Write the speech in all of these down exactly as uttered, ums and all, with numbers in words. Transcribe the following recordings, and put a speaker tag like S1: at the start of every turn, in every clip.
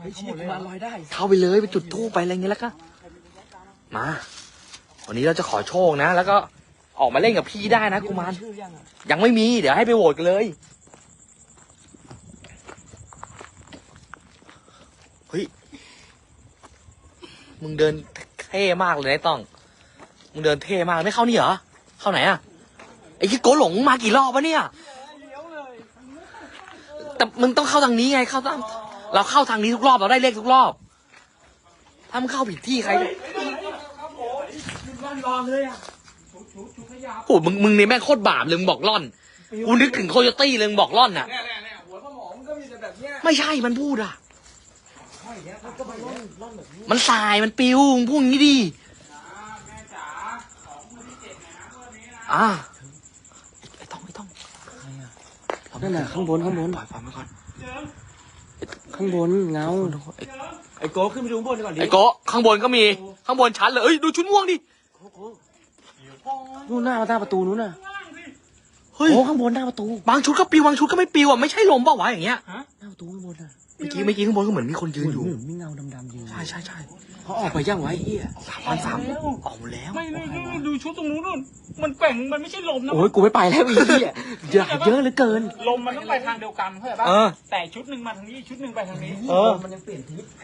S1: ฮ้ยเชี่ยกูมาลอยได้
S2: เข้าไปเลยไปจุดธูปไปอะไรเงี้ยแล้วก็มาวันนี้เราจะขอโชคนะแล้วก็ออกมาเล่นกับพี่ได้นะกุมารยังไม่มีเดี๋ยวให้ไปโหวตกันเลยเฮ้ยมึงเดินเท่มากเลยนะต้องมึงเดินเท่มากไม่เข้านี่เหรอเข้าไหนอะไอ้ที่โกหลงมากี่รอบวะเนี่ยแต่มึงต้องเข้าทางนี้ไงเข้าทางเราเข้าทางนี้ทุกรอบเราได้เลขทุกรอบถ้ามึงเข้าผิดที่ใครโอ้มึงมึงนี่แม่งโคตรบาปเลยมึงบอกล่อนกูนึกถึงโคโยตี้เลยมึงบอกล่อนน่ะไม่ใช่มันพูดอ่ะมันสายมันปิวมึงพูดอย่างนี้ดิอ่าไอ้ต้องไอ้ต้อง
S1: นั่นน่ะข้างบนข้างบน
S2: ปล่อยปล่อยมาก่อน
S1: ข้างบนเงา
S3: ไอ้โก้ขึ้นไปดูข้างบนก่อนดิ
S2: ไอ้โกข้างบนก็มีข้างบนชั้นเลยเอ้ยดูชุดม่วงดิ
S1: นู่นหน้าหน้าประตูนู้นน่ะ
S2: เฮ้ย
S1: โอ้ข้างบนหน้าประตู
S2: บางชุดก็ปิวบางชุดก็ไม่ปิวอ่ะไม่ใช่ลมเปล่าวะอย่างเงี้ย
S1: หน้าประตูข้างบนน่ะ
S2: เมื่อกี้เมื่อกี้ข้างบนก็เหมือนมีคนยืนอยู่
S1: เหมือนมีเงาดำๆยืน
S2: ใช่ใช่ใช่
S1: เขาออกไปยังไว้เอี้ย
S2: สามพันสามออกหมดแล้ว
S3: ไม่ไม่ไม่ดูชุดตรงนู้นนู่นมันแกว่งมันไม่ใช่ลมนะ
S1: โอ้ยกูไม่ไปแล้วอีเหี้ยเยอะเยอะเหลือเกิน
S3: ลมมันต้องไปทางเดียวกันเข้าใจปะ
S2: เออ
S3: แต่ชุดหนึ่งมาทางนี้ชุดหนึ่งไปทางนี้
S2: เออ
S1: มันยังเปลี่ยนทิศ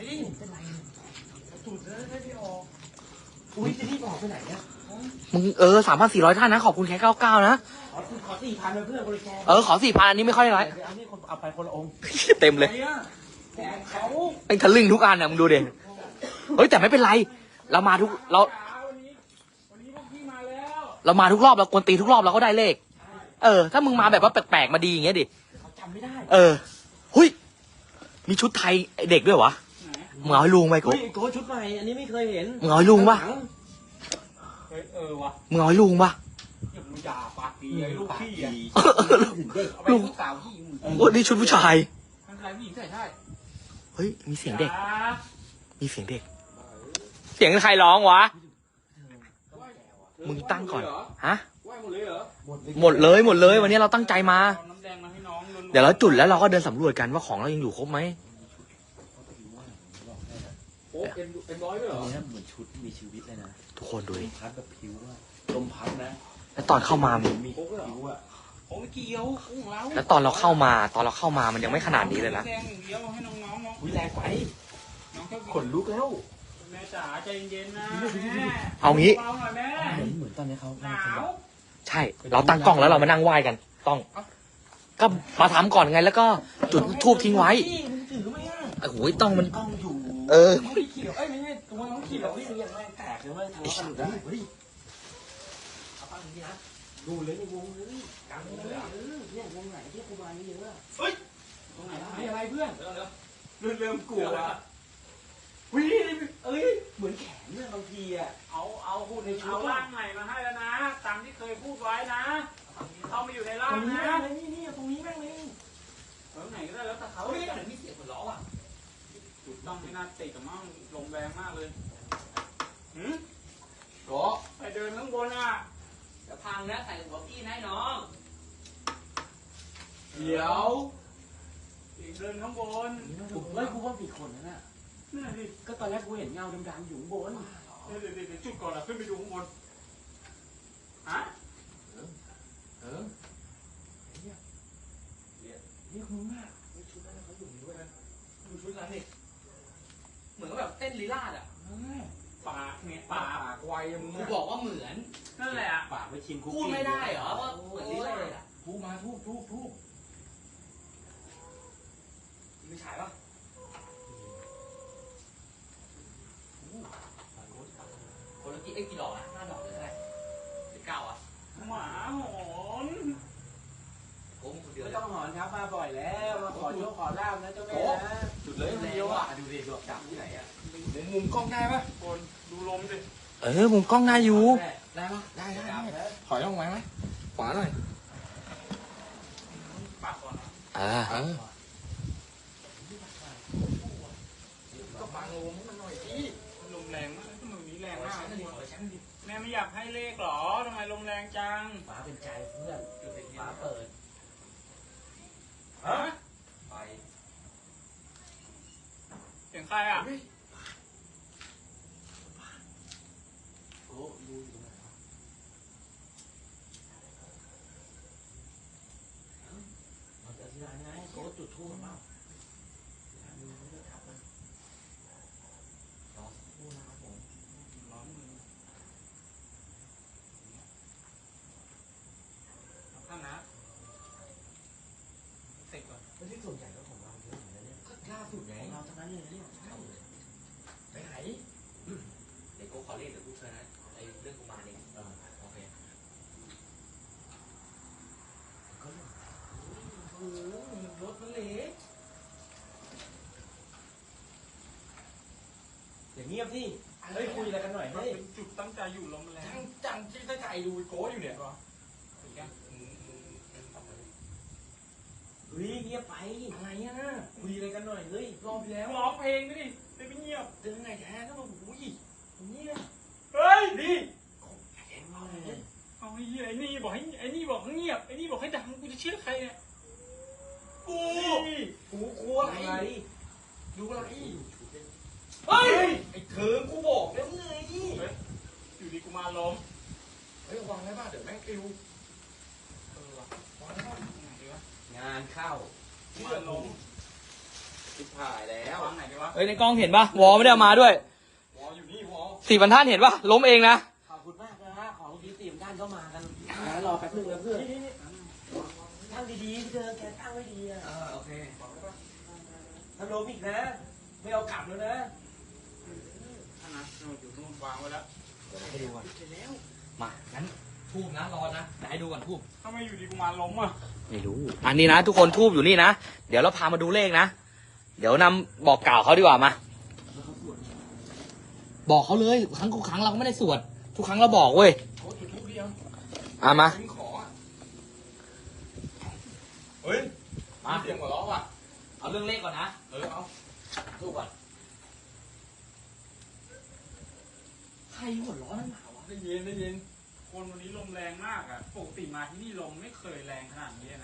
S1: อุ้ยจะรีบออกไปไหนเนี่ย
S2: มึงเออสามพันสี่ร้อยท่านนะขอบคุณแค่เก้าเก้านะ
S1: ขอขอสี่พันเพื่อนบริแก
S2: เออขอสี่พันอันนี้ไม่ค่อยไร
S1: เอานี่คนเอาไปคนละองค์
S2: เต็มเลย
S1: แต่เขา
S2: ไอ้ทะลึ่งทุกอันอ่ะมึงดูเด็เฮ้ยแต่ไม่เป็นไร เรามาทุกเรา
S3: วันนี้วันนี้พวกพี่มาแล้ว
S2: เรามาทุกรอบเรากวนตีทุกรอบเราก็ได้เลข เออ ถ้ามึงมาแบบว่าแปลกๆมาดีอย่างเงี้ยดิ
S1: เขาจำไม่ได้
S2: เออหุยมีชุดไทยเด็กด้วยวะมึงเอาให้ลุงไปกู
S1: เฮ้ยโก้ชุดใหม่อันนี้ไม่เคยเห็น
S2: มึงเอาให้ลุงปะ
S3: เฮ้ยเออวะ
S2: มึงเอาให้ลุงปะ
S3: อย่ามึงด่าปากดีไอ้ลูกพี่อ่ะ
S1: เอาไป
S3: ลูกสาวพี่มึง
S2: โอ้นี่ชุดผู้ชาย
S3: ทั้งชายผู้หญิงใส่ได้
S2: เฮ้ยมีเสียงเด็ก มีเสียงเด็ก เสียงใครร้องวะ มึงตั้งก่อน ฮะ
S3: ไหวหมดเลยเหรอ
S2: หมดเลยหมดเลยวันนี้เราตั้งใจมา
S3: เอาน้ำแดงมาให้น้องล้วนๆ
S2: เดี๋ยวเราจุดแล้วเราก็เดินสำรวจกันว่าของเรายังอยู่ครบไหม
S3: โอ้เป็นเป็นร้อยด้วยเหรอ
S1: นี่นะเหมือนชุดมีชีวิตเลยนะ
S2: ทุกคนดูดิ
S1: พัดแบบผิวอะลมพัดนะ
S2: แล้วตอนเข้ามามัน
S1: มีผิวอะ
S3: โอ้ไม่เกี่ยวของเรา
S2: แล้วตอนเราเข้ามา ตอนเราเข้ามามันยังไม่ขนาดนี้เลยนะ
S3: แดงอย่างเดียวให้น้องๆน้อง
S1: อุ้ยแรงไป
S3: น้องแค่
S1: ขนลุกแล้ว
S3: แม่จ๋าใจเย็นๆนะแม่
S2: เอางี้
S3: เบาๆหน่อยแม่
S1: เหมือนเหมือนตอนนี้เขา
S3: หนาว
S2: ใช่ เราตั้งกล้องแล้วเรามานั่งไหว้กัน ต้อง ก็มาทำก่อนไงแล้วก็จุดทูบทิ้งไว้
S1: พี่มึงถือไหมอะ
S2: โอ้โหต้องมัน
S1: กล้องอยู่
S2: เออ
S1: น้องพี่ขี่เอ้ยไม่ใช่ตัวน้องขี่แบบพี่มึงยังแรงแตกเลยเว้ยทะเลาะกันอยู่ได้เฮ้ยเอาฟังดีนะดูเลยในวงเลยกลางวงเลยเออเนี่ยวงไหนที่ครูบานี่เยอะอะ
S3: ตรงไหนมีอะไรเพื่อน
S1: เริ่มเริ่มกลัวอะวิเอ้ยเหมือนแขนเนี่ยบางทีอะ
S3: เอาเอาพูดในเอาร่างใหม่มาให้แล้วนะตามที่เคยพูดไว้นะเข้ามาอยู่ใน
S1: ต
S3: ร่า
S1: รง งนี้
S3: นะ
S1: แม่งเลยนี่นี่ตรงนี้แม่งเลย
S3: ตรงไหนก็ได้แล้วแต่เขา
S1: เฮ้ยแต่มีเสียงหัวเราะอ่ะ
S3: จุดต้องไม่น่าติดกับมั่งลมแรงมากเลยหืม
S1: ก็
S3: ไปเดินข้างบนอ่ะ
S2: จะพังนะใส่หัวพี่นายน้อง
S1: เดี๋ยว
S3: อีกเดินข้างบน
S1: เฮ้ยกูว่ามีคนนั่นน่ะ
S3: นี่นดิ
S1: ก็ตอนแรกกูเห็นเงาดำๆอยู่ข้างบน
S3: เดี๋ยวเดี๋ยวเดี๋ยวจุดก่อนนะขึ้นไปดูข้างบนฮะ
S1: เออนี่คุณมากชุดนั้นเขาอยู่ด้วยนะดูชุดนั้นดิ
S2: เหมือนแบบเต้นลีลาดอ่ะ
S3: ปากเนี่ย
S1: ปา
S3: ปาก
S1: กไวมึง
S2: กูบอกว่าเหมือน
S3: นั่นแหละ
S1: ปากไปชิมคุก
S2: พูดไม่ได้เหรอว่าเหมือนลีลาดอ่ะ
S1: ทูบมาทูบทูบทูบ
S2: มีฉายปะคนละกี่เอ้กี่ดอกอ่ะห้าดอกหรือเท่าไหร่หรือเก้าอ่ะ
S3: หมาหอน
S2: โอ้มึงคนเดียว
S1: ไม่
S2: เลย
S1: ต้องหอนครับมาบ่อยแล้วมาขอโชคขอลาบนะเจ้าแม่นะ
S2: จุดเลย
S1: เดียวอ่ะดูดิดอกจับที่ไหนอ่ะ
S3: มุมมุมกล้องได้ปะคนดูลมดิ
S2: เออมุมกล้องได้อยู่
S1: ได้ปะได้ได้ได้
S3: ถอยลงไหมไหมขวาหน่อยปากก่อน
S2: อ่า
S3: ก็ฟังลมมันหน่อยดิลมแรงมากทำไมวันนี้แรงมากแม่ไม่อยากให้เลขหรอทำไมลมแรงจัง
S1: ฟ้าเป็นใจเพื่อนฟ้าเปิด
S3: ฮะ
S2: ไป
S3: เสียงใครอ่ะ
S1: โอ้ดูอยู่ตรงไหนวะเราจะอธิษฐานไงโก้จุดทูบเปล่าดูไม่ได้ทับมันรอสักครู่นะครับผม
S3: ร้อนมือเอาข้างนะเสร็จก่อน
S1: ไม่ใช่ส่วนใหญ่ก็ของเราเยอะเหมือนกันเนี่ย
S2: ก็ล่าสุดไง
S1: ของเราทั้งนั้นเลยนะเนี่ยใช่
S2: ไปไหนเดี๋ยวกูขอเรียกเดี๋ยวกูเชิญนะไอ้เรื่องกุมารเนี่ย
S1: เออ
S2: โอเค
S1: ก็เรื่อง
S2: โอ้โหรถมันเล็ก
S1: อย่างเงียบที่เฮ้ยคุยอะไรกันหน่อย
S3: มัน
S1: เฮ้ย
S3: เป็นจุดตั้งใจอยู่ลมแรง
S2: จังจังที่ตั้งใจดูโก้อยู่เนี่ย
S3: ก็อีกอ่ะอืมอืมอืมเอาไป
S1: เฮ้ยเงียบไปอะไรอ่ะคุยอะไรกันหน่อยเฮ้ยรอบที่แล้ว
S3: ร้องเพลงด้วยดิไม่ไปเงียบ
S1: เดินไงแท้ก็มาอุ้ยเนี่ย
S3: เฮ้ยดิ
S1: เห็นว่าอะไรเนี่ย
S3: เอาไอ้เหี้ยไอ้นี่บอกให้ไอ้นี่บอกให้เงียบไอ้นี่บอกให้ดังกูจะเชื่อใครเนี่ย
S2: กู
S3: นี่
S2: กูกลัวอะไร
S1: อะไร
S2: ดูอะไร
S1: เฮ้ย
S2: ไอ้เถิงกูบอกแล้วไง
S3: อยู่ดีกูมาล้ม
S2: เฮ้ยวางได้ป่ะเดี๋ยวแม่งปิว
S3: เออว่ะ
S2: วางได้ป่ะ
S3: ไหนดีวะ
S1: งานเข้า
S3: มาล้ม
S2: ชิบหายแล้ว
S3: วางไหนดีวะ
S2: เฮ้ยในกล้องเห็นป่ะวอลไม่ได้เอามาด้วย
S3: วออยู่นี่วอ
S2: สี่บรรทัดเห็นป่ะล้มเองนะ
S1: ขอบคุณมากนะฮะของดีตีมด้านก็มากันรอแป๊บนึงนะเพื่อนตั้งดีๆเธอแกตั้งไว้ดีอ่ะ
S2: เออโอเค
S1: ถ้าล้มอีกนะ ไม่เอากลับแล้วนะ
S3: ท่านนะเราอยู่ตรงวางไว้แล้ว
S2: ให้ดูก่อนมางั้นทูบนะรอนะเดี๋ยวให้ดูก่อนทูบ
S3: ถ้าไม่อยู่ดีกูมาล้มอ่ะ
S2: ไม่รู้อันนี้นะทุกคนทูบอยู่นี่นะเดี๋ยวเราพามาดูเลขนะเดี๋ยวนำบอกกล่าวเขาดีกว่ามาบอกเขาเลยครั้งทุกครั้งเราก็ไม่ได้สวดทุกครั้งเราบอกเว้ย
S3: โอ้จุดทูบเดียว
S2: อ่ะมา
S3: ถึงขออ่ะเฮ้ย
S2: มา
S3: เสียงหัวเราะว่ะ
S2: เอาเรื่องเลขก่อนนะ
S3: เออเอา
S2: ทูบก่อนใครหัวร้อนนักหนาวะ
S3: ได้ยินได้ยินคนวันนี้ลมแรงมากอ่ะปกติมาที่นี่ลมไม่เคยแรงขนาดนี้นะ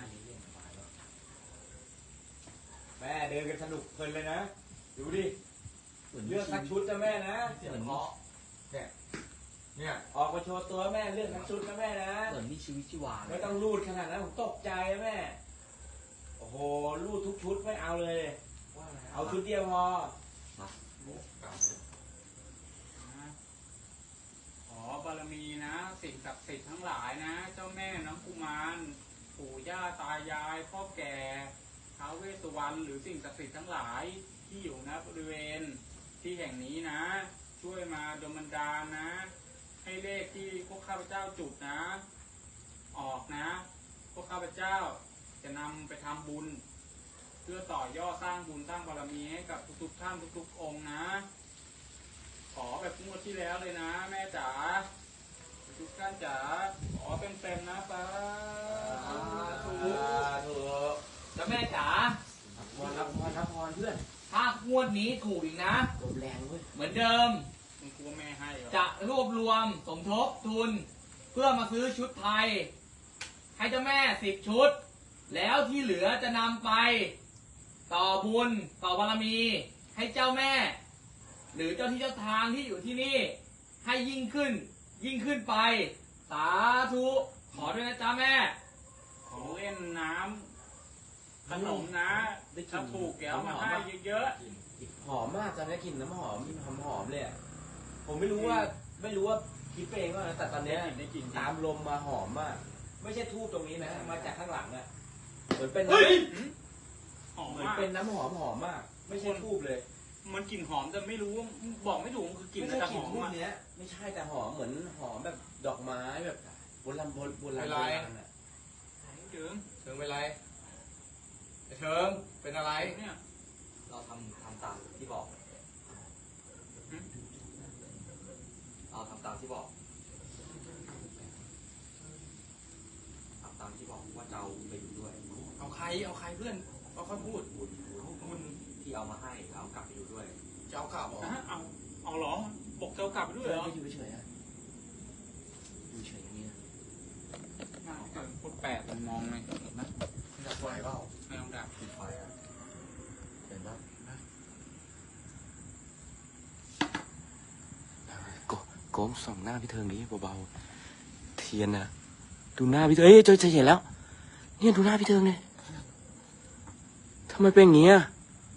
S1: แม่เดินกันสนุกเพลินเลยนะ ดูดิเลือกสักชุดนะแม่นะ
S2: เหมือน
S3: เนี่ย
S1: ออกมาโชว์ตัวแม่เลือกสักชุดนะแม่นะ
S2: เหมือนมีชีวิตชีวาเล
S1: ไม่
S2: ย
S1: ต้องรูดขนาดนั้นผมตกใจนะแม่ โอ้โหรูดทุกชุดไม่เอาเลย เอาชุดเดียวพอ
S3: ขอบารมีนะสิ่งศักดิ์สิทธิ์ทั้งหลายนะ เจ้าแม่น้องกุมารปู่ย่าตายายพ่อแก่ท้าวเวสสุวรรณหรือสิ่งศักดิ์สิทธิ์ทั้งหลายที่อยู่ณบริเวณที่แห่งนี้นะ ช่วยมาดลบันดาลนะ ให้เลขที่พวกข้าพเจ้าจุดนะ ออกนะ พวกข้าพเจ้าจะนำไปทำบุญ เพื่อต่อยอดสร้างบุญสร้างบารมีให้กับทุกๆท่านทุกๆองค์นะ ขอแบบงวดที่แล้วเลยนะ แม่จ๋าทุกท่านจ๋าขอเป็นเต็มๆนะป้าถูก
S1: ถูก
S2: แล้วแม่จ๋า
S1: พรรับพรรับพรเพื่อน
S2: ถ้างวดนี้ถูกอีกนะ
S1: ลมแรงเว้ย
S2: เหมือนเดิม
S3: มึงกลัวแม่ให้เหรอ
S2: จะรวบรวมสมทบทุน เพื่อมาซื้อชุดไทย ให้เจ้าแม่สิบชุด แล้วที่เหลือจะนำไป ต่อบุญต่อบารมี ให้เจ้าแม่ หรือเจ้าที่เจ้าทางที่อยู่ที่นี่ ให้ยิ่งขึ้น ยิ่งขึ้นไป สาธุขอด้วยนะจ๊ะแม่
S3: ขอเล่นน้ำขนมนะถ้าถูกแกเอามาให้เยอะ
S1: หอมมากตอนนี้กลิ่นน้ำหอมหอมหอมเลยอะผมไม่รู้ว่าไม่รู้ว่าคิดไปเองว่านะแต่ตอน
S3: ๆ
S1: เนี้ย
S3: ได้กิน
S1: ตามลมมาหอมมาก ไม่ใช่ทูบตรงนี้นะ มาจากข้างหลังอะเหมือนเป็น
S3: เฮ้ยหอม
S1: เหมือน
S3: มาก
S1: เป็นน้ำหอมหอมมาก ไม่ใช่ทูบเลย
S3: มันกลิ่นหอมแต่ไม่รู้ว่าบอกไม่ถูกมันคือกลิ่น
S1: ไม่
S3: อะไร
S1: ใช่
S3: แต่
S1: ก
S3: ห
S1: ลิ่น
S3: อม
S1: ทูบ
S3: อ่ะ
S1: เนี้ยไม่ใช่แต่หอมเหมือนหอมแบบดอกไม้แบบโบราณโบราณโบราณโบราณอะ
S3: เจิง
S4: เชิงเป็นไรไอ้เชิงเป็นอะไร
S3: เนี่ย
S2: เราทำทำตามที่บอก เราทำตามที่บอกทำตามที่บอกว่าจะเอาไปอยู่ด้วย
S4: เอาใครเอาใครเพื่อนเอาค่อยพูด
S2: บุญ
S3: คุณ
S2: ที่เอามาให้เอากลับไปอยู่ด้วย
S4: จะเอากลับเหรอ
S3: อ่ะเอาเอาเหรอบอกเจ้ากลับไปด้วยเหรอ
S1: ไม่อยู่เฉยๆอะอยู่เฉยอย่างนี้นะ
S3: น่าเกินพูดแปดมันมองเลยเห็นไหม
S4: จะไหวเปล่า
S3: ไม่ต้องดับ
S2: ปิดไฟอ่ะเห็นปะ
S1: โก้ส่องหน้าพี่เทิงนี้เบาๆเทียนนะดูหน้าพี่เทิงเอ้ยเจอเห็นแล้วเนี่ยดูหน้าพี่เทิงเลยทำไมเป็นอย่างนี้อะ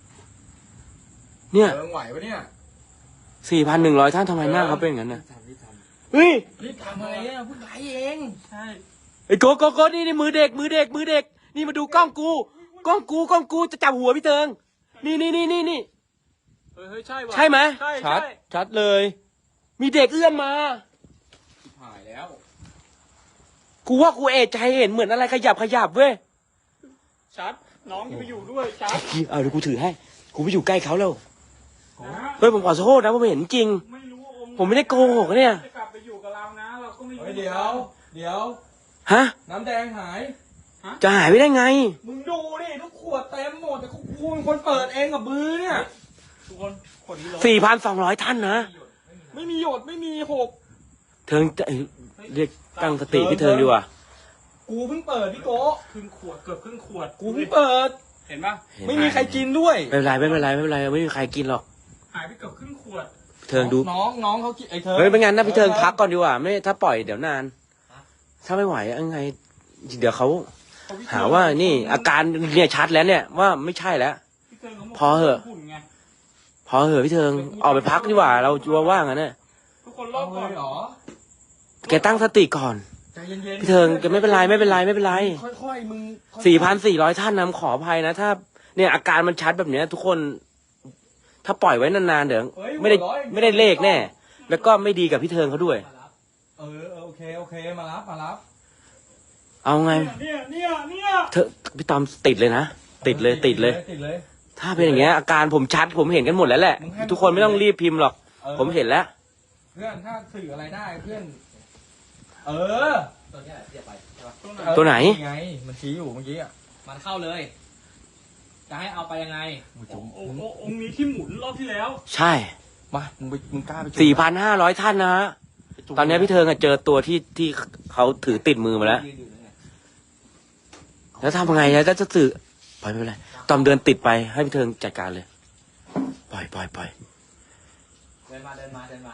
S1: เนี่ย
S4: เทิงไหวปะเนี่ย
S1: สี่พันหนึ่งร้อยท่านทำไมหน้าเขาเป็นอย่างนั้นนะเฮ้ย
S2: รีบทำอะไรเนี่ยเพิ่งไลฟ์เอง
S3: ใช่
S1: ไอ้โกโกโกนี่นี่มือเด็กมือเด็กมือเด็กนี่มาดูกล้องกูกล้องกูกล้องกูจะจับหัวพี่เทิงนี่นี่นี่นี่นี่
S3: เฮ้ยเฮ้ยใช่ว่ะ
S1: ใช่ไหม
S3: ใช่
S1: ชัด
S3: ใช่
S1: ชัดเลย มีเด็กเอื้อมมา
S4: หายแล้ว
S1: กูว่ากูเอะใจเห็นเหมือนอะไรขยับขยับเว้ย
S3: ชัดน้องจะไปอยู่ด้วยชัด
S1: เอาเดี๋ยวกูถือให้กูไปอยู่ใกล้เขาแล้ว
S3: นะ
S1: เฮ้ยผมขอโทษนะผมเห็นจริง
S3: ไม่รู้ว่าองค์
S1: ผมไม่ได้โกหกเนี่ย
S3: จะกลับไปอยู่กับเรานะเราก็ไม่รู้
S4: เฮ้ยเดี๋ยว เดี๋ยว
S1: ฮะ
S4: น้ำแดงหาย
S1: จะหายไปได้ไง
S4: มึงดูดิทุกขวดเต็มหมดแต่กูเป็นคนเปิดเองกับมือเนี่ย
S3: ทุกคนคนนี้ลง
S1: สี่พันสองร้อยท่านนะ
S4: ไม่มีหยดไม่มีหก
S1: เทิงจะเอ้ยเรียกตั้งสติพี่เทิงดีกว่า
S4: กูเพิ่งเปิดพี่โก้
S3: ครึ่งขวดเกือบครึ่งขวด
S4: กูเพิ่งเปิด
S3: เห็นปะ
S4: ไม่มีใครกินด้วย
S1: ไม่เป็นไรไม่เป็นไรไม่เป็นไรไม่มีใครกินหรอก
S3: หายไปเกือบครึ่งขวด
S1: เทิงดู
S4: น้องน้องเขากินไอ้เธอ
S1: เฮ้ยไม่งั้นนะพี่เทิงพักก่อนดีกว่าไม่ถ้าปล่อยเดี๋ยวนาน ถ้าไม่ไหวยังไง เดี๋ยวเขาหาว่านี่ อาการเนี่ยชัดแล้วเนี่ยว่าไม่ใช่แล้ว
S3: พี่เทิงขาบก
S1: พอเหอะ
S3: หุ่นไง
S1: พอเหอะพี่เทิงออกไปพักดีกว่าเราจัวว่างอ่ะเนี่ย
S3: ทุกคนรอ
S4: เอา
S3: บ
S4: เล
S3: ก่อน
S4: ยเหรอ
S1: แกตั้งสติก่อน
S4: ใจเย็นๆ
S1: พี่เทิงแกไม่เป็นไรไม่เป็นไรไม่เป็นไร
S4: ค่อยๆมึงค่อยๆ
S1: สี่พันสี่ร้อยท่านนะขออภัยนะถ้า เนี่ยอาการมันชัดแบบเนี้ย ทุกคน ถ้าปล่อยไว้นานๆเดี๋ยว
S4: เฮ้ย
S1: ไม่ได้
S4: หัวร้อย
S1: ไม่ได้เลขแน่ แล้วก็ไม่ดีกับพี่เทิงเขาด้วย
S4: เออเออโอเคโอเคมารับมารับ
S1: เอาไง
S3: เนี่ยเนี่ยเนี่ย
S1: เธอพี่ตอมติดเลยนะติดเลยติดเลย
S4: ติดเลย
S1: ถ้าเป็นอย่างเงี้ยอาการผมชัดผมเห็นกันหมดแล้วแหละ
S4: มึงให้
S1: ทุกคนไม่ต้องรีบพิมพ์หรอก
S4: ออ
S1: ผมเห็นแล้ว
S4: เพื่อนถ้าสื่ออะไรได้เพื่อน เออ
S2: ตัวเนี้ยเสียไปใช่ปะ
S3: ตรงไหน
S1: ตัวไหน
S4: ไงมันชี้อยู่เมื่อกี้อ่ะ
S2: มันเข้าเลย จะให้เอาไปยังไง
S3: องค์องค์องค์นี้ที่หมุนรอบที่แล้ว
S1: ใช่
S4: มามึงไปมึงกล้าไปจุด
S1: สี่พันห้าร้อยท่านนะฮะตอนนี้พี่เทิงอะเจอตัวที่ที่เขาถือติดมือมาแล้ว
S2: ยืนอยู่นั่นไง
S1: แล้วทำไงแล้วจะสื่อปล่อยไม่เป็นไรตอมเดินติดไปให้พี่เทิงจัดการเลย ปล่อยปล่อยปล่อย
S2: เดินมาเดินมาเดินมา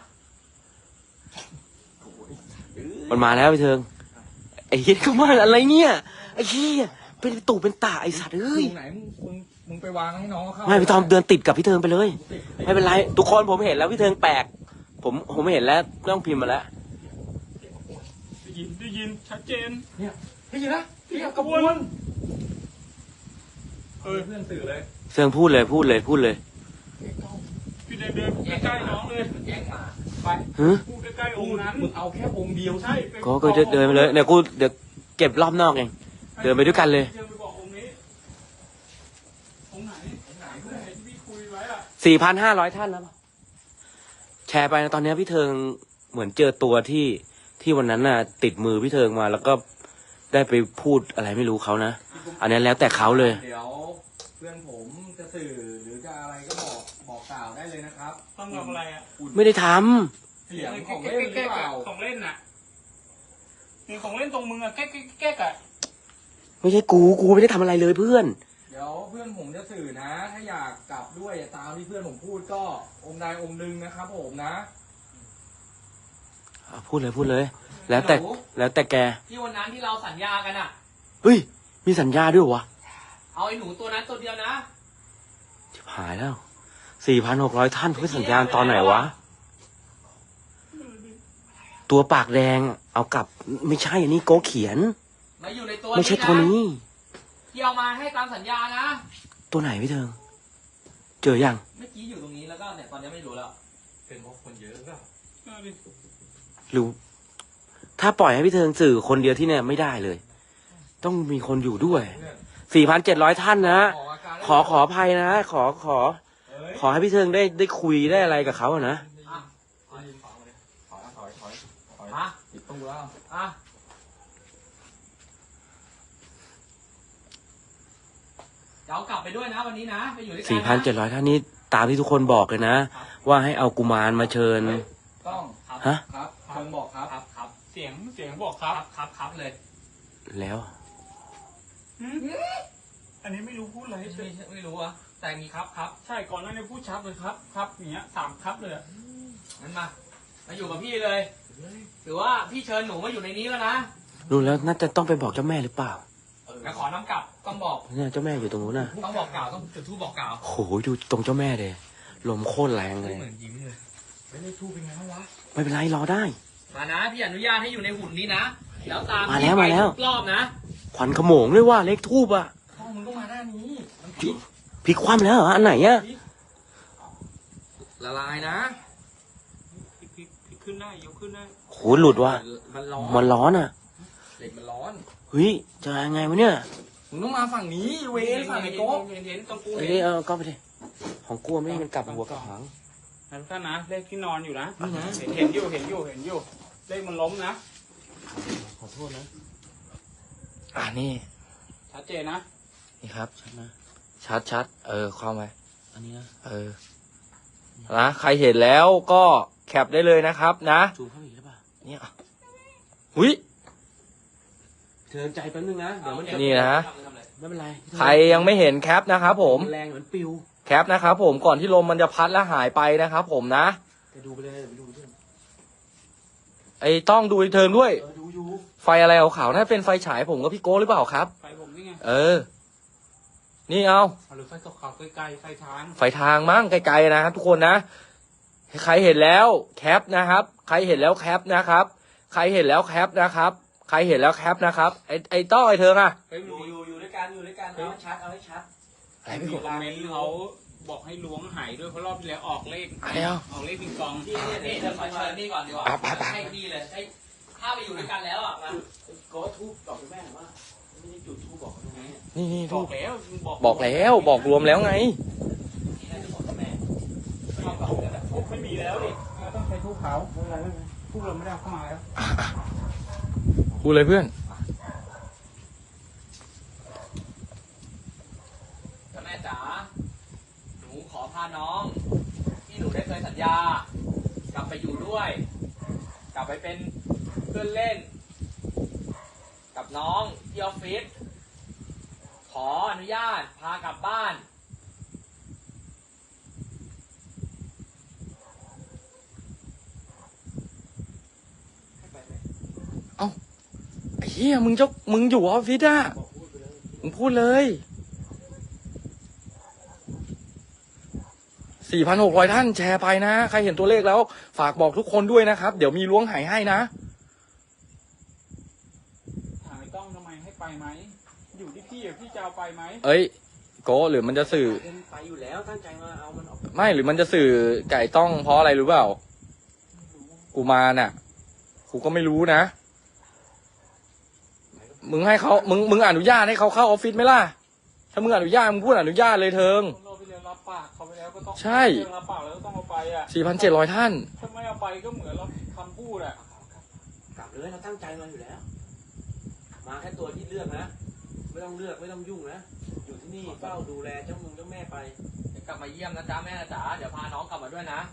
S1: มันมาแล้วพี่เทิงไอ้เหี้ยเข้ามาอะไรเนี่ยไอ้เหี้ยเป็นตู่เป็นตาไอ้สัตว์เอ้ย
S4: ตรงไหนมึงมึงมึงไปวางให้น้องเขาเข้า
S1: ไม่พี่ตอมเดินติดกับพี่เทิงไปเลย
S4: ติด
S1: ไม่เป็นไรทุกคนผมเห็นแล้วพี่เทิงแปลก ผมผมเห็นแล้วไม่ต้องพิมพ์มาแล้ว
S3: ได้ยินได้ยินชัดเจน
S4: เนี่ยพี่นะพี่กระบวนเออเพื่อนสื่อเลย
S1: เทิงพูดเลยพูดเลยพูดเลย
S3: พี่เดินเดินใกล้ๆน้องเลย
S2: แย่งมา
S3: ไป
S1: ฮะ
S3: พูดใกล้ๆองค์นั้น
S4: มึงเอาแค่องค์เดียว
S3: ใช่ไป
S1: ก็ก็เดินเดินไปเลยเนี่ยกูเดี๋ยวเก็บรอบนอกเองเดินไปด้วยกันเลย
S3: เดินไปบอกองค์นี้องค์ไหนองค์ไหนองค์ไหนที่พี่คุยไว้อะ
S1: สี่พันห้าร้อยท่านแล้วแชร์ไปนะตอนนี้พี่เทิงเหมือนเจอตัวที่ที่วันนั้นน่ะ ติดมือพี่เทิงมา แล้วก็ได้ไปพูดอะไรไม่รู้เขานะ อันนี้แล้วแต่เขาเลย
S4: เดี๋ยวเพื่อนผมจะสื่อหรือจะอะไรก็บอกบอกกล่าวได้เลยนะครับ
S3: ต้องทำอะไรอะ
S1: ไม่ได้ทำ
S4: เสียงของเล่นหรือเปล่า
S3: ของเล่นน่ะมีของเล่นตรงมึงอะแก๊กแก๊กแก๊กอะ
S1: ไม่ใช่กูกูไม่ได้ทำอะไรเลยเพื่อน
S4: เดี๋ยวเพื่อนผมจะสื่อนะ ถ้าอยากกลับด้วยตามที่เพื่อนผมพูดก็องค์ใดองค์หนึ่งนะครับผมนะ
S1: อ่ะพูดเลยพูดเลย แล้วแต่แล้วแต่แก
S2: ที่วันนั้นที่เราสัญญากันอ่ะ
S1: เฮ้ยมีสัญญาด้วยวะ
S2: เอาไอ้หนูตัวนั้นตัวเดียวนะ
S1: ชิบหายแล้วสี่พันหกร้อยท่านเพื่อสัญญาณตอนไหนวะ ตัวปากแดงเอากลับไม่ใช่อันนี้โกเขียน
S2: มาอยู่ในตัว
S1: ไม่ใช่ตัวนี้
S2: ที่เอามาให้ตามสัญญานะ
S1: ตัวไหนพี่เทิง เจอยัง
S2: เมื่อกี้อยู่ตรงนี้แล้วก็เนี่ยตอนนี้ไม่รู้แล้ว
S4: เป็นเพราะคนเยอะก็
S3: เอาดิ
S1: หรือถ้าปล่อยให้พี่เทิงสื่อคนเดียวที่เนี่ยไม่ได้เลย ต้องมีคนอยู่ด้วย
S4: เพื่อน
S1: สี่พันเจ็ดร้อยท่านนะ
S4: ออกอาการได้
S1: ขอขออภัยนะ ขอขอ
S4: เอ้ย
S1: ขอให้พี่เทิงได้ได้คุยได้อะไรกับเขาอะนะ
S2: อ่ะ
S4: ถอยถอยถอยถอยถอยถอย
S2: อ่ะ
S4: ปิดตู้แล้ว
S2: อ่ะจะเอากลับไปด้วยนะวันนี้นะไปอยู่ด้วยกั
S1: สี่พันเจ็ดร้อยท่านนี้ตามที่ทุกคนบอกเลยนะ ว่าให้เอากุมารมาเชิญ
S4: ต้อง
S2: ครับ
S1: ฮะ
S4: ครับเชิงบอกครับ
S2: ครับครับ
S3: เสียงเสียงบอกค
S2: ค
S3: รั
S2: รั
S3: บบ
S2: ครับครับเลย
S1: แล้ว
S3: หืมอันนี้ไม่รู้พูดอะไร
S2: ไม่ไม่ไม่รู้อะแต่มีครับครับ
S3: ใช่ก่อนหน้านี้พูดชัดเลยครับครับอย่างเงี้ยสามครับเลยอะ
S2: งั้นมามาอยู่กับพี่เลยถือว่าพี่เชิญหนูมาอยู่ในนี้แล้วนะ
S1: ดูแล้วน่าจะต้องไปบอกเจ้าแม่หรือเปล่า
S2: แล้วขอน้ำกลับต้องบอก
S1: เนี่ยเจ้าแม่อยู่ตรงนู้นน่ะ
S2: ต้องบอกกล่าวต้องจุดธูปบอกกล่าว
S1: โหดูตรงเจ้าแม่เลยลมโคตรแรงเลย
S2: เหมือนยิ้มเลย
S4: ไม่ได้ทูบเป็นไงวะ
S1: ไม่เป็นไรรอได้
S2: มานะพี่อนุญาตให้อยู่ในหุ่นนี้นะแล้วตาม
S1: มาแล้ว
S2: พี่ไป
S1: มาแล้ว
S2: ทุกรอบนะ
S1: ขวัญขโมงด้วยว่าเลขทูบอ่ะ
S4: ห้องมึงต้องมาหน้านี้มัน
S1: พลิกพลิกคว่ำแล้วเหรออันไหนอ่ะ
S4: ละลายนะ
S3: พลิกพลิกพลิกขึ้นได้ยกขึ้นได้
S1: โหหลุดว่ะ
S4: มันร้อน
S1: มันร้อนอ่ะ
S4: เหล็กมันร้อน
S1: เฮ้ยจะยังไงวะเนี่ย
S4: มึงต้องมาฝั่งนี้เวนฝั่งไอ้โก๊ะ
S3: เห็นเห็นตรงกู
S1: เอ้
S3: เห็
S1: ย
S3: น
S1: เออก็ไปดิของกลัวไม่ให้มันกลับหัวกลับหาง
S3: นะทุกท่านนะเลขที่นอนอยู่นะ
S1: นี่นะ
S3: เห็นเห็นอยู่เห็นอยู่เห็นอยู่เลขมันล้มนะ
S1: ขอโทษนะ
S4: อ่านี่
S3: ชัดเจนนะ
S4: นี่ครับ
S1: ชัดนะ
S4: ชัดชัดเออเข้าไป
S1: อันนี้นะ
S4: เออนะใครเห็นแล้วก็แคปได้เลยนะครับนะ
S1: จูงเข้าไปอีกหรือเปล่า
S4: เนี่ยหุย
S1: เทินใจแป๊บนึงนะเดี๋ยวมันจะ
S4: นี่นะ
S1: ไม่เป็นไร
S4: ใครยังไม่เห็นแคปนะครับผม
S1: นแรงเหมือนปิว
S4: แคปนะครับผมก่อนที่ลมมันจะพัดและหายไปนะครับผมนะ
S1: ไปดูไปเลยไปดูไปด้วย
S4: ไอ้ต้องดูอีกเทิร์นด้วย
S1: เออดูอยู่
S4: ไฟอะไรขาวๆน่าเป็นไฟฉายผมกับพี่โก้หรือเปล่าครับ
S3: ไฟผมนี่ไง
S4: เออ นี่เอา
S3: หรือไฟขาวๆไกลๆไฟทาง
S4: ไฟทางมั้งไกลๆนะครับทุกคนนะ ใครเห็นแล้วแคปนะครับ ใครเห็นแล้วแคปนะครับ ใครเห็นแล้วแคปนะครับ ใครเห็นแล้วแคปนะครับ ไอ้ไอ้ต้อไอ้เธออะ
S3: เฮ้ย
S2: อ
S3: มัน
S2: ยู่
S3: มี
S2: อยู่อยู่ด้วยกันอยู่ด้วยกันเอาให้ชัดเอาให้ชัด
S4: อะไรไม่
S3: มี
S4: รู้
S3: คอมเมนต์เขาบอกให้ล้วงหายด้วยเพราะรอบที่แล้วออกเลข
S4: อะไรอ่ะ
S3: ออกเลขปิงปอง
S2: พี่นี่นี่เดี๋ยวขอเชิญนี่ก่อนดีกว่า
S4: อ่ะไปไป
S2: ให้พี่เลยให้ถ้าไปอยู่ด้วยกันแล้วอ่ะมา
S1: ก็ทูบบอกคุณแม่ว่าไม่ได้จุดทูบบอกตรงนี้
S4: นี่นี่
S3: บ
S4: ทู
S3: อบ กแล้วบอก
S4: บอกแล้วบอกรวมแล้วไง
S2: ที่ให้ทุกคนกับแม่
S3: ไม่มีแล้วดิต้องใช้ทูบเขาไม่เป็นไรไม่เป็นไรทูบเราไม่ได้เอาเข้ามาแล้ว
S4: พูดเลยเพื่อน
S2: กับแม่จ๋าหนูขอพาน้อง ที่หนูได้เคยสัญญา กลับไปอยู่ด้วย กลับไปเป็นเพื่อนเล่น กับน้องที่ออฟฟิศขออนุญาตพากลับบ้าน
S4: ไอ้เหี้ยมึงเจ้ามึงอยู่ออฟฟิศอะมึงพูดเลย สี่พันหกร้อยท่านแชร์ไปนะ ใครเห็นตัวเลขแล้ว ฝากบอกทุกคนด้วยนะครับ เดี๋ยวมีล้วงหายให้นะ
S3: ถามไอ้ต้องทำไมให้ไปไหม อยู่ที่พี่อะพี่จะเอาไปไหม
S4: เอ้ยโกหรือมันจะสื่อ
S1: เป็นไปอยู่แล้วตั้งใจมาเอามันออก
S4: ไม่หรือมันจะสื่อไก่ต้องเพราะอะไรรู้เปล่า กูมาน่ะ กูก็ไม่รู้นะ มึงให้เขามึงมึงอนุญาตให้เขาเข้าออฟฟิศไหมล่ะ ถ้ามึงอนุญาตมึงพูดอนุญาตเลยเทิง
S3: คนเราไปเรียนรับปากเขาไปแล้วก็ต้อง
S4: ใช่
S3: เรียนรับปากแล้วก็ต้องเอาไปอ่ะ
S4: สี่พันเจ็ดร้อยท่าน
S3: ถ้าไม่เอาไปก็เหมือนเราคำพูดอ่ะ
S1: กลับเลยเราตั้งใจมาอยู่แล้ว มาแค่ตัวที่เลือกนะ ไม่ต้องเลือกไม่ต้องยุ่งนะ อยู่ที่นี่เฝ้าดูแลเจ้ามึงเจ้าแม่ไป
S2: เดี๋ยวกลับมาเยี่ยมนะจ๊ะแม่นะจ๊ะเดี๋ยวพาน้องกลับมาด้วยนะ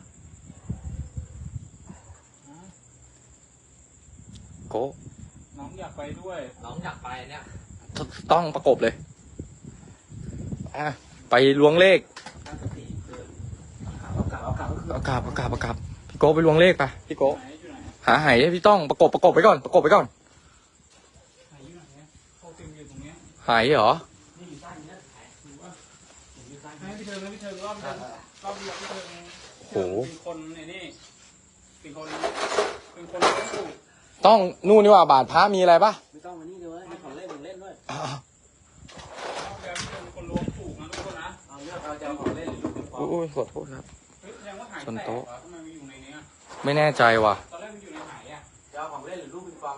S4: โก
S3: น้องอยากไปด้วย
S2: น้องอยากไปเนี่ย
S4: ต้องประกบเลยอ่ะไปล้วงเลข
S1: ตั้งสติเดินเอากลับเอากลับเอากลับก็คือ
S4: เอากลับเอากลับเอากลับพี่โกไปล้วงเลขไปพี่โก
S3: ไหนอยู่ไหน
S4: หาหายให้พี่ต้องประกบประกบไปก่อนประกบไปก่อน
S3: ไหนอยู่ไหนเนี่ยโคติมอยู่ตรงเนี้ย
S4: หายเหรอ
S1: นี่อยู่ใต้นี้นะดูว่าอยู่ใต้
S3: ให้พี่เทิงนะพี่เทิงรอบเดียวรอบเดียวพี่เทิง
S4: โอ้โห
S3: เป็นคนไอ้นี่เป็นคนเป็นคนเลี้ยงลูก
S4: ต้องนู่นนี่ว่าบาทพระมีอะไรปะ
S1: ไม่ต้องมานี่เลยให้ของเล่นของเล่นด้วย
S4: อ่ะ
S3: รอบเดียวพี่เทิงเป็นคนล้วงถูกนะทุกคนนะ
S1: เอาเลือกเอาจะเอาของเล่นหรือลูกปิงปอง
S4: อุ้ยขอโทษครับ
S3: เฮ้ยแสดงว่าหาย
S4: ชน
S3: แตก
S4: โต๊ะ
S3: เหรอทำไมมันอยู่ในเนี้ย
S4: ไม่แน่ใจว่ะ
S3: ตอนแรกมันอยู่ในหายอ่ะ
S1: จะเอาของเล่นหรือลูกปิงปอง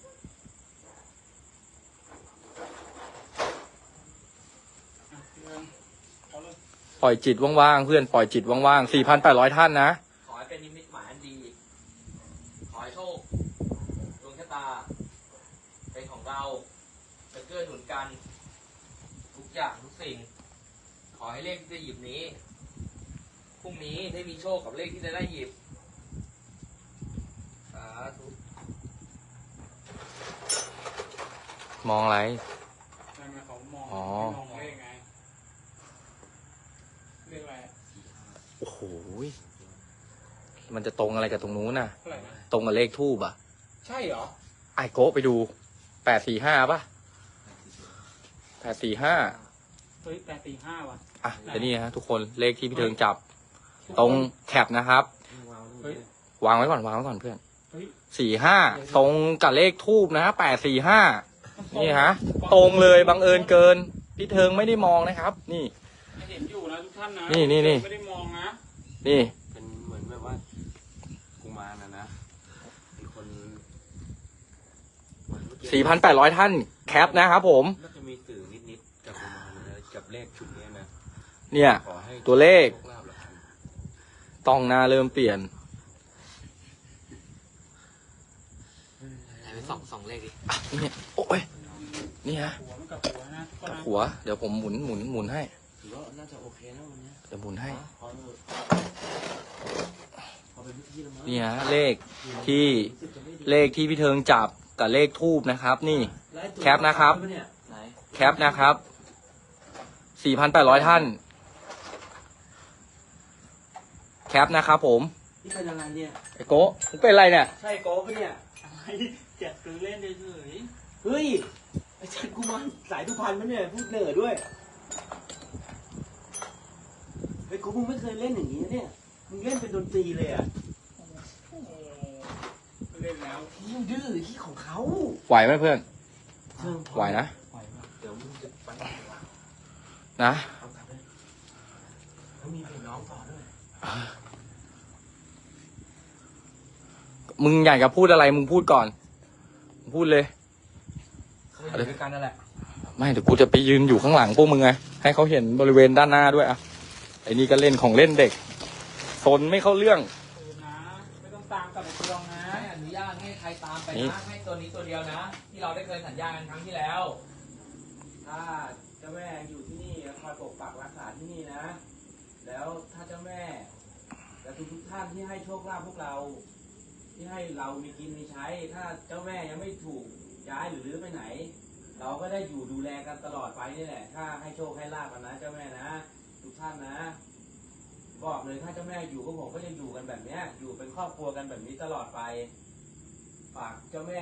S3: อ่ะพี่เทิงเอาเลย
S4: ปล่อยจิตว่างๆเพื่อนปล่อยจิตว่างๆสี่พันแปดร้อยท่านนะ
S2: ขอให้เป็นนิมิตหมายอันดี ขอให้โชคดวงชะตา เป็นของเราจะเกื้อหนุนกัน ทุกอย่างทุกสิ่ง ขอให้เลขที่จะหยิบนี้ พรุ่งนี้ได้มีโชคกับเลขที่จะได้หยิบ สาธุ
S4: มองอะไร
S3: ทำไมเขามอง
S4: อ๋อ
S3: ไม่มองเลขไงเลขอะไรอะ
S4: โอ้โห
S3: โอเค
S4: มันจะตรงอะไรกับตรงนู้นน่ะ
S3: เท่าไหร่นะ
S4: ตรงกับเลขทูบอ่ะ
S3: ใช่เหรอ
S4: ไอโกะไปดูแปดสี่ห้าป่ะแปดสี่ห้า
S3: เฮ้ยแปดสี่ห้าว่ะ
S4: อ่ะเดี๋ยวนี้ฮะทุกคนเลขที่พี่เทิงจับ ตรงแคปนะครับ
S3: เฮ้ย
S4: วางไว้ก่อนวางไว้ก่อนเพื่อน
S3: เฮ้ย
S4: สี่ห้าตรงกับเลขทูบนะแปดสี่ห้านี่ฮะ ตรงเลยบังเอิญเกิน พี่เทิงไม่ได้มองนะครับ นี่
S3: เห็นอยู่นะทุกท่านนะ
S4: นี่นี่นี่
S3: ไม่ได้มองนะ
S4: นี่
S1: เป็นเหมือนแบบว่ากุมารนะนะเป็นคน
S4: สี่พันแปดร้อยท่านแคปนะครับผม
S1: น่าจะมีสื่อนิดๆกับกุมารนะกับเลขชุดนี้นะ
S4: เนี่ย
S1: ขอให้
S4: ตัวเลข
S1: โชคลาภแล้วกัน
S4: ต้องหน้าเริ่มเปลี่ยน
S2: ไปสองสองเลขดิ
S4: อ่ะนี่โอ้ยนี่ฮะ
S3: หัวมันกับหัวนะทุกคน
S4: กับ
S3: นะ
S4: หัว เดี๋ยวผมหมุนหมุนหมุนให้
S1: ถือว่าน่าจะโอเคนะวันเนี้ย
S4: เดี๋ยวหมุนให้
S1: พอเถอะพอเป็นพิธีแล้วมั้ง
S4: นี่ฮะเลขที่เลขที่พี่เทิงจับกับเลขทูบนะครับ นี่ แคปนะครับ
S1: ไหน
S4: แคปนะครับ สี่พันแปดร้อยท่าน แคปนะครับผม
S1: นี่เป็นอะไรเนี่ย
S4: ไอโก้มึงเป็นอะไรเนี่ย
S1: ใช่โก้ปะเนี่ย
S3: เจ็ดซื้อเล่นเฉย
S1: เฮ้ยไอ้ชันกูมันสายทุพรรณมันเนี่ยพูดเหนือด้วยไอ้กูมึงไม่เคยเล่นอย่างนี้นะเนี่ยมึงเล่นเป็นดนตรีเลยอ่ะ
S3: ๆเล่นแล้ว
S1: มึงดื้อที่ของเขา
S4: ไหวไหมเพื่อน
S1: เชิงพอ
S4: ไหวนะ
S3: ไหวปะ
S1: เดี๋ยวมึงจะไปไหนวะ
S4: นะ
S1: เอากลับเลยแล้วมีเพลงน้องต่อด้วย
S4: มึงอยากจะพูดอะไรมึงพูดก่อนมึงพูดเลย
S1: เคยอยู่ด้วยกันนั่นแหละ
S4: ไม่เดี๋ยวกูจะไปยืนอยู่ข้างหลังพวกมึงไง ให้เขาเห็นบริเวณด้านหน้าด้วยอ่ะ ไอ้นี่ก็เล่นของเล่นเด็กสนไม่เข้าเรื่อง
S3: คืนนะ ไม่ต้องตามกลับไปทวงนะ
S2: ไม่อนุญาตให้ใครตามไป
S4: นี่
S2: นะให้ตัวนี้ตัวเดียวนะ ที่เราได้เคยสัญญากันครั้งที่แล้ว
S1: ถ้าเจ้าแม่อยู่ที่นี่คอยปกปักรักษาที่นี่นะ แล้วถ้าเจ้าแม่และทุกทุกๆท่านที่ให้โชคลาภพวกเรา ที่ให้เรามีกินมีใช้ ถ้าเจ้าแม่ยังไม่ถูกย้ายหรือรื้อไปไหน เราก็ได้อยู่ดูแลกันตลอดไปนี่แหละ ถ้าให้โชคให้ลาภกันนะเจ้าแม่นะ ทุกท่านนะ บอกเลยถ้าเจ้าแม่อยู่ก็ผมก็จะอยู่กันแบบเนี้ย อยู่เป็นครอบครัวกันแบบนี้ตลอดไป ฝากเจ้าแม่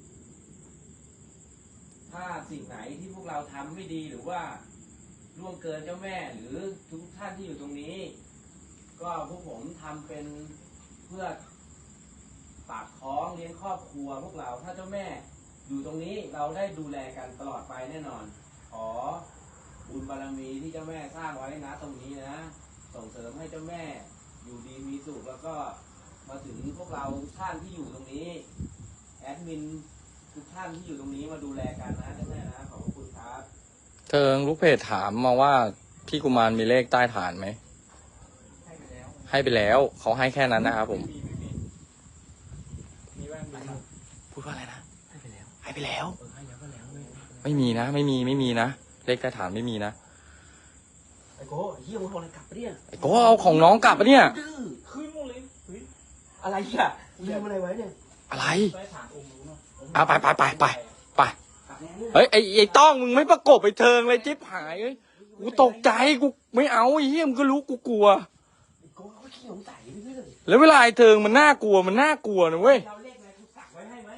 S1: ถ้าสิ่งไหนที่พวกเราทำไม่ดีหรือว่าล่วงเกินเจ้าแม่หรือทุกท่านที่อยู่ตรงนี้ ก็พวกผมทำเป็นเพื่อปากท้องเลี้ยงครอบครัวพวกเราถ้าเจ้าแม่อยู่ตรงนี้เราได้ดูแลกันตลอดไปแน่นอน ขอบุญบารมีที่เจ้าแม่สร้างไว้นะตรงนี้นะ ส่งเสริมให้เจ้าแม่อยู่ดีมีสุขแล้วก็มาถึงพวกเราทุกท่านที่อยู่ตรงนี้แอดมินทุกท่านที่อยู่ตรงนี้มาดูแลกันนะเจ้าแม่นะขอบคุณครับ
S4: เทิงลูกเพจถามมาว่าพี่กุมารมีเลขใต้ฐานไหม
S3: ให้ไปแล้ว
S4: ให้ไปแล้ว เขาให้แค่นั้นนะครับผม
S3: มีไม่มีมีบ้างมีบ้าง
S4: พูดว่าอะไรนะ
S1: ให้ไปแล้ว
S4: ให้ไปแล้ว
S1: เออให้แล้วก็แล้วไม่
S4: ไม่มีนะ ไม่มีไม่มีนะ เลขใต้ฐานไม่มีนะ
S1: ไอ้โก้เฮียมึงเอาอะไรกลับปะเนี่ย
S4: ไอ้โก้เอาของน้องกลับปะเนี่ย
S1: ดื้อ
S3: ขึ้นหมดเลยเฮ้ย
S1: อะไรอ่ะลืมอะไรไว้เนี่ย
S4: อะไร
S3: ใต้ฐานองค์นู้นเนาะ
S4: อ่ะไปไปไปไปไป
S1: กลับแล้วเนี่ย
S4: เฮ้ยไอ้ไอ้ต้องมึงไม่ประกบไปเทิงเลยจิ๊บหายเอ้ยกูตกใจกูไม่เอาไอ้เหี้ยมึงก็รู้กูกลัว
S1: ไอ้โก้เขาขี้สงสัยไปเรื่อย
S4: แล้วเวลาไอ้เทิงมันน่ากลัวมันน่ากลัวนะเว้ย
S1: เราเลขอะไรกูสักไว้ให้ไหม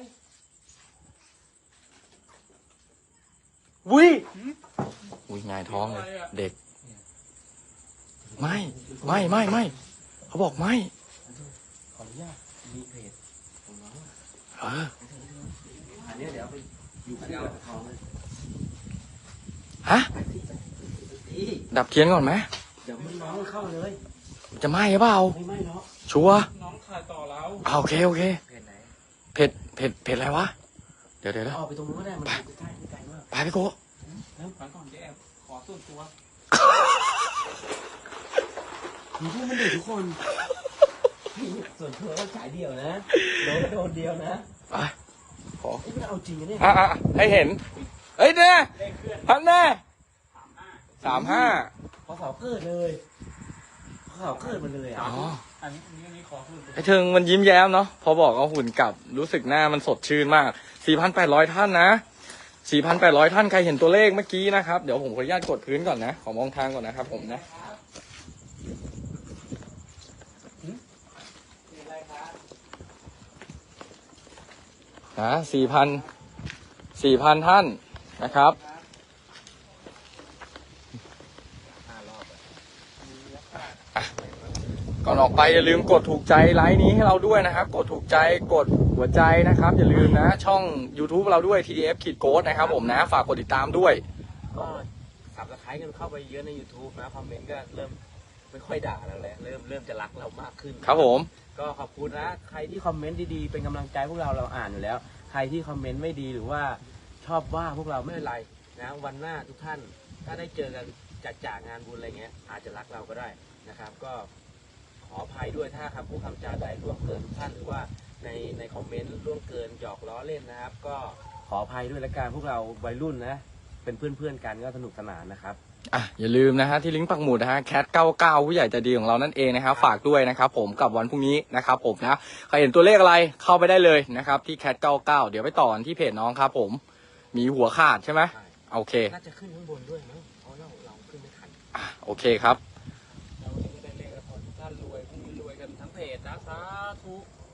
S4: วิอุ้ยหงายท้องเลยเด็ก ไม่ไม่ไม่ไม่เขาบอกไม่
S1: ขออนุญาตมีเพจของน้องอะ
S4: เออ
S1: อันเนี้ยเดี๋ยวเอาไปอยู่ที่กระทองเลย
S4: ฮะ
S1: ไปที่ไปที่
S4: ดับเทียนก่อนไหม
S1: เดี๋ยวมึงน้องมันเข้ามาเลย
S4: จะไหม้หรือเปล่า
S1: ไม่ไม่หรอก
S4: ชัวร์
S3: น้องถ่ายต่อแล้ว
S4: อ่าโอเคโอเค
S1: เพจไหน
S4: เผ็ดเผ็ดเผ็ดอะไรวะเดี๋ยวเดี๋ยวเดี๋ยว
S1: ออกไปตรงนู้นก็ได้มันอยู่ใกล้ๆไม่ไกลมาก
S4: ไปพี่โก้
S3: ขอก่อนจะแอบขอส่วนตัว
S1: มึงพูดมันเด็กทุกคนพี่ส่วนตัวก็สายเดียวนะโดนก็โดนเดียวนะ
S4: ไปขอ
S1: ไอ้ยมันเอาจริงนะเนี่ย
S4: อ่ะอ่ะให้เห็นเอ้ยเนี่ย
S3: เลขเคลื่อน
S4: พันแน่
S3: สามห้า
S4: สามห้า
S1: พอเสาเกิดเลยพอเสาเกิดมันเลยอ่ะ
S4: อ๋อ
S3: อันนี้อันนี้อันนี้ขอส่วนตัว
S4: ไอ้เทิงมันยิ้มแย้มเนาะพอบอกเอาหุ่นกลับรู้สึกหน้ามันสดชื่นมาก สี่พันแปดร้อย ท่านนะ สี่พันแปดร้อย ท่านใครเห็นตัวเลขเมื่อกี้นะครับเดี๋ยวผมขออนุญาตกดพื้นก่อนนะขอมองทางก่อนนะครับผมนะ
S3: น
S4: นะสี่พันสี่พันท่านนะครับอ่ะก่อนออกไปอย่าลืมกดถูกใจไลฟ์นี้ให้เราด้วยนะครับกดถูกใจกดหัวใจนะครับอย่าลืมนะช่อง YouTube เราด้วย ที ดี เอฟ ขีดโค้ดนะครับผมนะฝากกดติดตามด้วย
S1: ก็สับสไครต์กันเข้าไปเยอะใน YouTube นะคอมเมนต์ก็เริ่มไม่ค่อยด่าเราแล้วเริ่มเริ่มจะรักเรามากขึ้น
S4: ครับผม
S1: ก็ขอบคุณนะใครที่คอมเมนต์ดีๆเป็นกำลังใจพวกเราเราอ่านอยู่แล้ว ใครที่คอมเมนต์ไม่ดีหรือว่าชอบว่าพวกเราไม่เป็นไรนะวันหน้าทุกท่านถ้าได้เจอกันจัดจ่างานบุญอะไรเงี้ยอาจจะรักเราก็ได้นะครับ ก็ขออภัยด้วยถ้าคำพูดคำจาใดล่วงเกินทุกท่านหรือว่าในในคอมเมนต์ล่วงเกินหยอกล้อเล่นนะครับ ก็ขออภัยด้วยละกันพวกเราวัยรุ่นนะเป็นเพื่อนๆกันก็สนุกสนานนะครับ
S4: อ่ะอย่าลืมนะฮะที่ลิงก์ปักหมุดนะฮะแคทเก้าเก้าผู้ใหญ่ใจดีของเรานั่นเองนะครับฝากด้วยนะครับผมกับวันพรุ่งนี้นะครับผมนะใครเห็นตัวเลขอะไรเข้าไปได้เลยนะครับที่แคทเก้าเก้าเดี๋ยวไปต่อกันที่เพจน้องครับผมมีหัวขาดใช่ไหม
S1: ใช่
S4: โอเค
S1: น่าจะขึ้นข้างบนด้วยมั้งเพราะเราเราขึ้นไม่ทัน
S4: อ่ะโอเคครับ
S1: เราจะได้เลขแล้วขอทุกท่านรวยพรุ่งนี้รวยกันทั้งเพจนะสาธุ